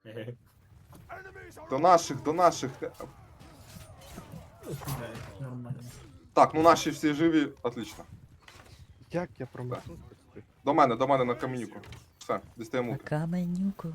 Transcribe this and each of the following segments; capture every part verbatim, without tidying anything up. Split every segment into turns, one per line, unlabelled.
До наших, до наших.
Нормально.
Так, ну наші всі живі, отлично.
Як я промахнув?
До мене, до мене на каменюку. Все, дістаємо
На
луки.
каменюку.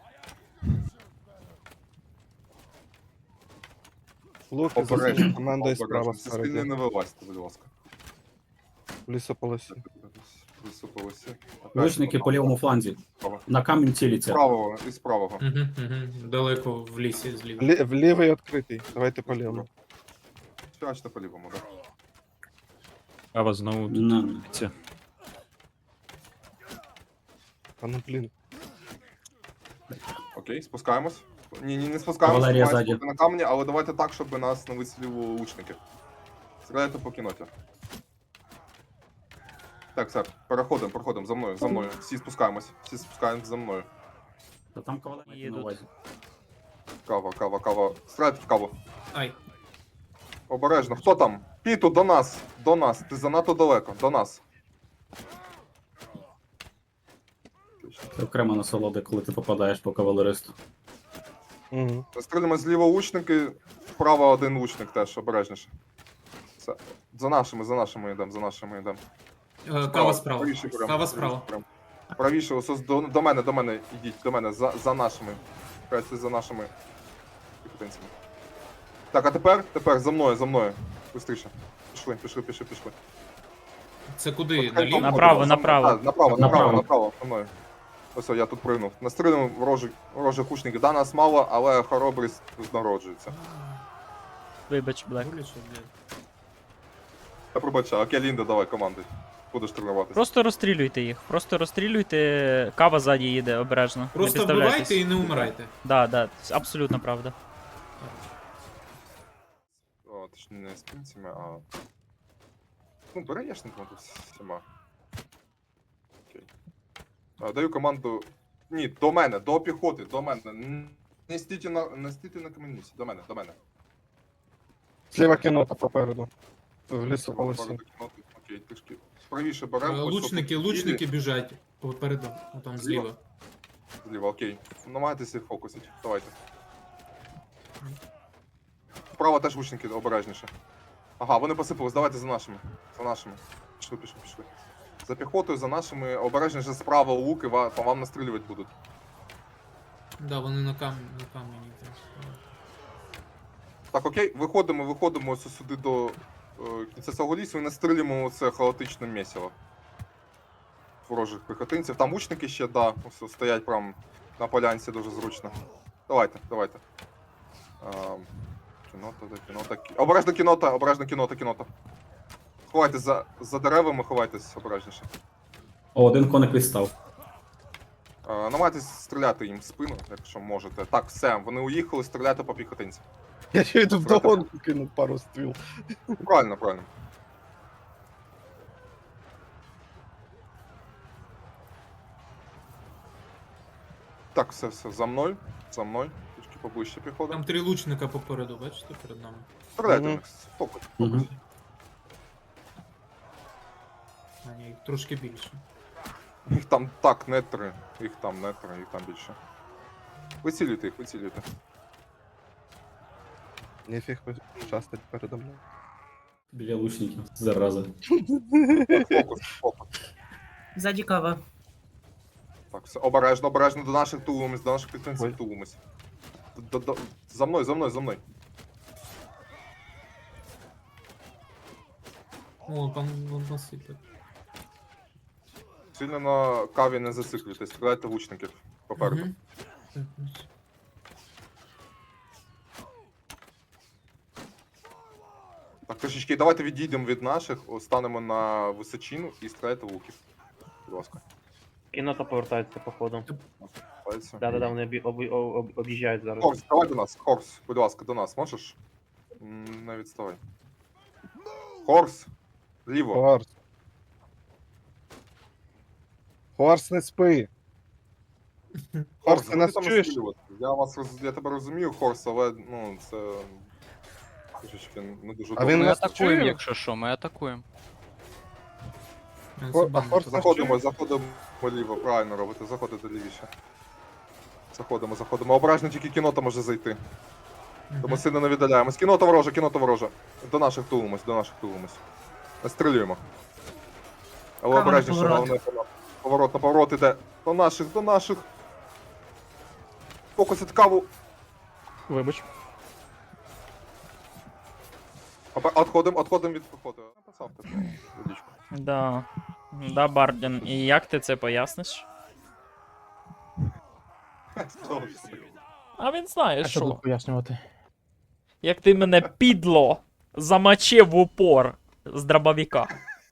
Луки за
Обережно,
командою справа
обережно. Зі спини
спереді.
не вилазьте, будь ласка.
В лісополосі.
Присупилися.
Лучники по лівому фланзі. На камінь
З
ціляться.
правого і з правого.
Угу, угу. Далеко в лісі зліва.
Лі- в лівий відкритий. Давайте по лівому.
Спячте по лівому, так.
Кава знову
На.
тут.
А ну блін.
Окей, спускаємось. Ні, ні, не спускаємось,
Кавалерія
маємо
ззаді.
бути на камені, але давайте так, щоб нас не вистрілювали лучники. Стріляйте по кіноті. Так, все, переходимо, переходимо, за мною, за мною. Всі спускаємось, всі спускаємось за мною.
Та там кавалерія
Їдуть.
на увазі.
Кава, кава, кава. Стріляйте в каву.
Ай.
Обережно. Хто там? Піту, до нас, до нас. Ти занадто далеко, до нас.
Це окрема насолода, коли ти попадаєш по кавалеристу.
Угу.
Стріляємо зліва лучники, вправо один лучник теж, обережніше. Все. За нашими, за нашими йдемо, за нашими йдемо.
Е, Кава справа.
Правіше прям,
Кава
правіше
справа.
прям. Правіше, ось ось до, до мене, до мене, ідіть, до мене, за, за нашими. Красти за нашими піхотинцями. Так, а тепер, тепер, за мною, за мною. Быстріше. Пішли, пішли, пішли, пішли.
Це куди?
От хай
Наліво?
там
Направо,
ходить,
направо.
за мною. А, направо, направо,
Направо.
направо, за мною. Ось, о, я тут пригнув. Настрілимо ворожих, ворожих лучників. Да, нас мало, але хоробрість народжується.
Вибач, Блек.
Гуляче, блядь.
Я пробачаю, окей, Лінда, давай, командуй. Будеш тренуватися.
Просто розстрілюйте їх. Просто розстрілюйте. Кава ззаді їде обережно. Не
Просто
підставляйтесь.
вбивайте і не умирайте.
Да, да, абсолютно правда.
О, точніше, не з пінцями, а... Ну, береєшником тут всіма. Окей. А, даю команду... Ні, до мене, до піхоти, до мене. Н- Не стійте на, не стійте на камінці, до мене, до мене.
Зліва кінота попереду. В лісополосі.
Пару докинути. Окей, трішки. Правіше
Е,
беремо. ось
Лучники,
тут
лучники
білі.
біжать. Попереду, ну, там зліва.
Зліва, окей. Намагайтеся їх фокусити, давайте. Вправо теж лучники, обережніше. Ага, вони посипались, давайте за нашими. За нашими. Пішли, пішли, пішли. За піхотою, за нашими, обережніше справа луки, ва- по вам настрілювати будуть.
Да, вони на камені, на камені. там.
Так, окей, виходимо, виходимо ось сюди до е, кінця цього лісу і настрілюємо це хаотичне місиво. Ворожих піхотинців. Там лучники ще, да, ось стоять прям на полянці дуже зручно. Давайте, давайте. А, кінота, да, кінота. кі- Обережно кінота, обережно кінота, кінота. Ховайтесь за, за деревами, ховайтесь обережніше.
О, один коник відстав.
А, намагайтесь стріляти їм в спину, якщо можете. Так, все, вони уїхали, стріляти по піхотинцям.
Я ще йду вдогонку кинув пару стріл.
Правильно, правильно. Так, все, все, за мною, за мною. Трішки поближче піходимо.
Там три лучника попереду, бачите, перед нами.
Стріляйте в
Мгм.
них, фокус,
Мгм.
фокус.
А ні, їх трошки більше.
Їх там так, не три, їх там не три, їх там більше. Вицілюйте їх, вицілюйте.
Нефіг щастить передо мною.
Біля лучників. Зараза.
Так, фокус, фокус.
Ззаді кава.
Так, все, обережно, обережно до наших тулимось, до наших підтримців
Ой.
тулимось. До- до- За мною, за мною, за мною.
О, там вон насипать.
Сильно на каві не зациклюйтесь, стріляйте лучників попереду.
Мгм. Так, ось.
Так, трішечки, давайте відійдемо від наших, о, станемо на височину і стріляйте в луків. Будь ласка.
Кінота повертається, походу.
Пальці.
Да-да-да, вони обі- обі- об- об'їжджають зараз.
Хорс, давай до нас, Хорс, будь ласка, до нас, можеш? М, Не відставай. Хорс! Ліво.
Хорс. Хорс, не спи. Хорс, ти
ну
нас
там
чуєш?
настрілювати. Я вас роз- я тебе розумію, Хорс, але ну це. Трішечки не дуже
А він
Ми
нас
атакуємо,
чує?
якщо що, ми атакуємо.
Е,
Хо-
це
а
бан.
Хорс нас
Заходимо,
чує?
заходимо ліво, правильно робите, заходите лівіше. Заходимо, заходимо. Обережно тільки кінота може зайти. Тому
Мгм.
сильно не віддаляємось. Кінота ворожа, кінота ворожа. До наших тулимось, до наших тулимось. Настрілюємо. Але
Кава на
обережніше,
поворот.
головне поворот. Поворот на поворот іде. До наших, до наших. Фокусить каву.
Вибач.
Отходимо, отходимо від походу. Написав ти водичку.
Да. Да, Бардін. І як ти це поясниш?
Що ж таке?
А він знає, що.
пояснювати?
Як ти мене підло замочив в упор з дробовика.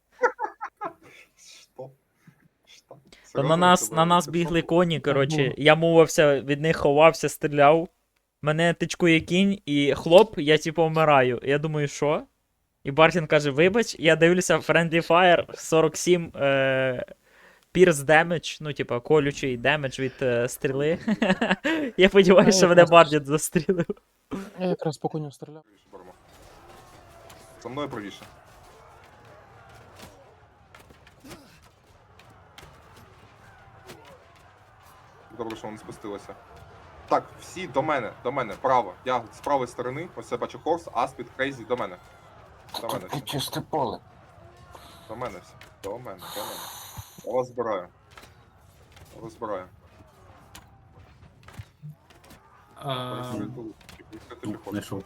Що? Що?
Та
Серйозно
на нас,
тебе
на нас
це
бігли
що?
коні, коротше, я мовився, від них ховався, стріляв. Мене тичкує кінь, і хлоп, я типу вмираю. Я думаю, що? І Бартін каже, вибач, я дивлюся Friendly Fire сорок сім е, Pierce Damage, ну, типа, колючий демедж від е, стріли. Я сподіваюся, що мене Бардін застрілив.
Я якраз по коню стріляв.
Правіше беремо. За мною правіше. Добре, що вони спустилися. Так, всі до мене, до мене, право. Я з правої сторони, ось я бачу Хорс, Аспід, Крейзі, до мене. До мене всі.
Чисте поле.
До мене всі. До мене, до мене. Я вас збираю. Я вас збираю.
А,
Пересують тулу. Відкрити піхоту.
Знайшов.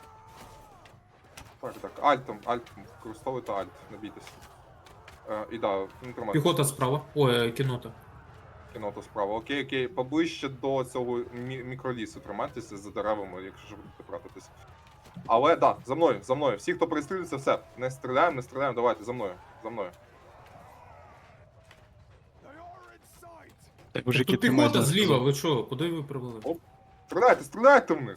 Так, так. Альтом, альтом. Використовуйте альт, не бійтесь. Е, і да, не тримайте.
Піхота справа. Ой, е, кінота.
Кінота справа. Окей, окей. Поближче до цього мі- мікролісу тримайтеся за деревами, якщо ж будете пратитись. Але да, за мною, за мною. Всі, хто пристрілюється, все. Не стріляємо, не стріляємо, давайте, за мною. За мною.
Так, мужики,
Тут
ти
піхота
майже
зліва, ви що? Куди ви привели?
Оп. Стріляйте, стріляйте в них!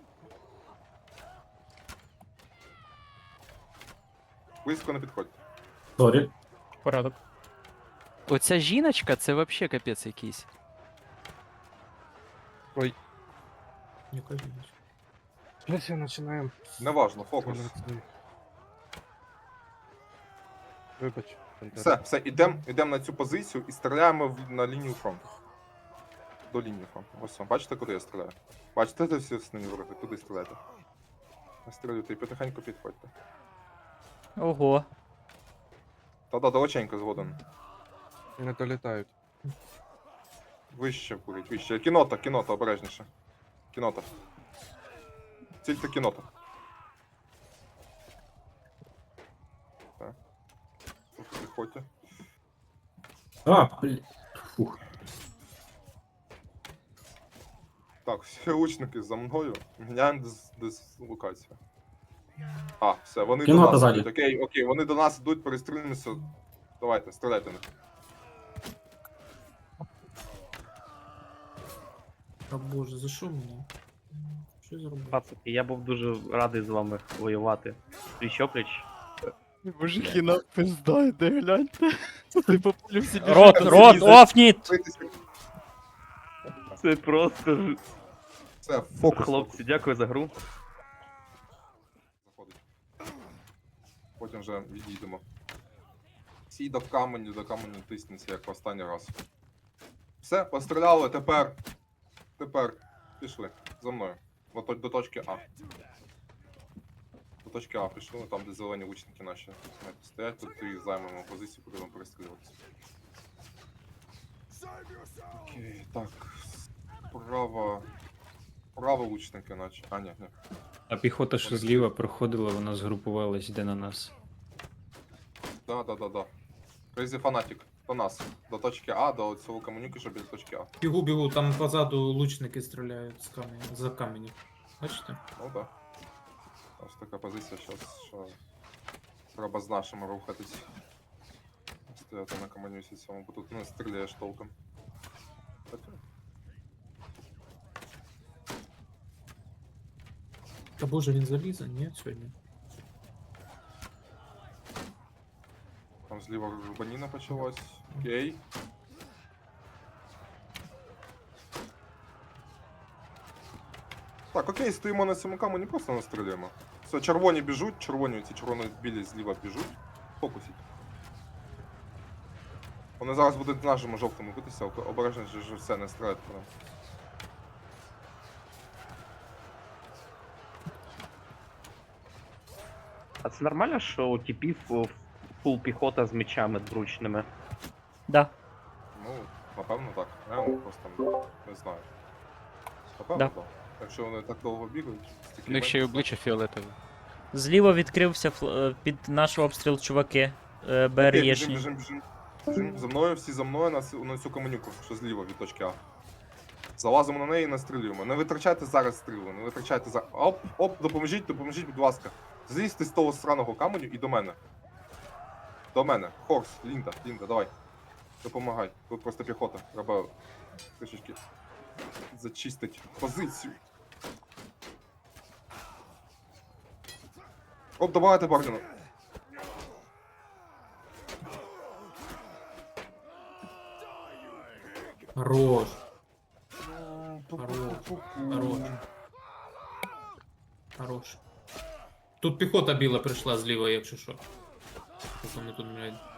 Близько не підходьте.
Сорі.
Порядок.
Оця жіночка, це вообще капець якийсь.
Яка жіночка?
Блять, починаємо.
Неважно, фокус.
Вибач.
Все, все, ідемо ідем на цю позицію і стріляємо в, на лінію фронту. До лінії фронту. Ось вам, бачите, куди я стріляю? Бачите, де всі основні вороги? Туди стріляйте. Настрілюйте і потихеньку підходьте.
Ого.
Та-да, далеченько згоден.
Не долітають.
Вище курить, вище. Кінота, кінота, обережніше. Кінота. Цільте кінота. Так. Трохи підходьте.
А, блін. Фух.
Так, всі лучники за мною. Міняємо дис- дислокацію. А, все, вони
Кінота
до нас
ззаді.
йдуть. Окей, окей, вони до нас йдуть, перестрілюємося. Давайте, стріляйте в них.
Та боже, за що мені? Що я зробив?
Пацики, я був дуже радий з вами воювати. Пліч-опліч.
Мужики, на пизда, йде, гляньте. Ти поплю собі.
Рот, рот, офніт!
Бийтеся.
Це просто ж-
Все, фокус.
хлопці, дякую за гру.
Заходить. Потім вже відійдемо. Всі до каменю, до каменю тиснеться, як в останній раз. Все, постріляли, тепер. Тепер. Пішли. За мною. До, то- до точки А. До точки А пішли, там де зелені лучники наші знаєте, стоять, тут і займемо позицію, будемо перестрілюватися. Окей, так. Право. Право лучники наче. А, ні, ні.
А піхота, що зліва проходила, вона згрупувалась, йде на нас.
Да, да, да, да. Crazy Fanatic. До нас. До точки А, до цього комуніки, щоб біля точки А.
Бігу, бігу, там позаду лучники стріляють з каменя, за камені. Бачите?
Ну да. Ось така позиція зараз, що треба з нашими рухатись. Стояти на комунісі цьому, бо тут не стріляєш толком. Хоча,
Та боже, він залізе? Ні, сьогодні.
там зліва рубаніна почалась. Окей. Так, окей, стоїмо на цьому камені, просто настрілюємо. Все, червоні біжуть, червоні, ці червоно-білі зліва біжуть. Фокусіть. Вони зараз будуть нашими жовтими битися, обережно ж все, не стріляйте по нам.
А це нормально, що у типів фул піхота з мечами дручними?
Да.
Ну, напевно так. Я просто не знаю. Напевно,
Да.
так. Якщо вони так довго бігають, стільки
У них ще й
менше,
обличчя фіолетове.
Зліва відкрився фл- е, під наш обстріл чуваки. Е,
Окей, біжим,
БРЄшні.
біжим, біжим. Біжим. За мною, всі за мною на, ц- на цю каменюку, що зліва від точки А. Залазимо на неї і настрілюємо. Не витрачайте зараз стріли, не витрачайте зараз. Оп, оп, допоможіть, допоможіть, будь ласка. Злізьте з того сраного каменю і до мене. До мене. Хорс, Лінда, Лінда, давай. Допомагай. Тут просто піхота. Треба трішечки зачистити позицію. Оп, добавайте Бардіна.
Хорош. Хорош. Хорош. Хорош. Тут піхота біла прийшла зліва, якщо що. Тут вони тут, блядь.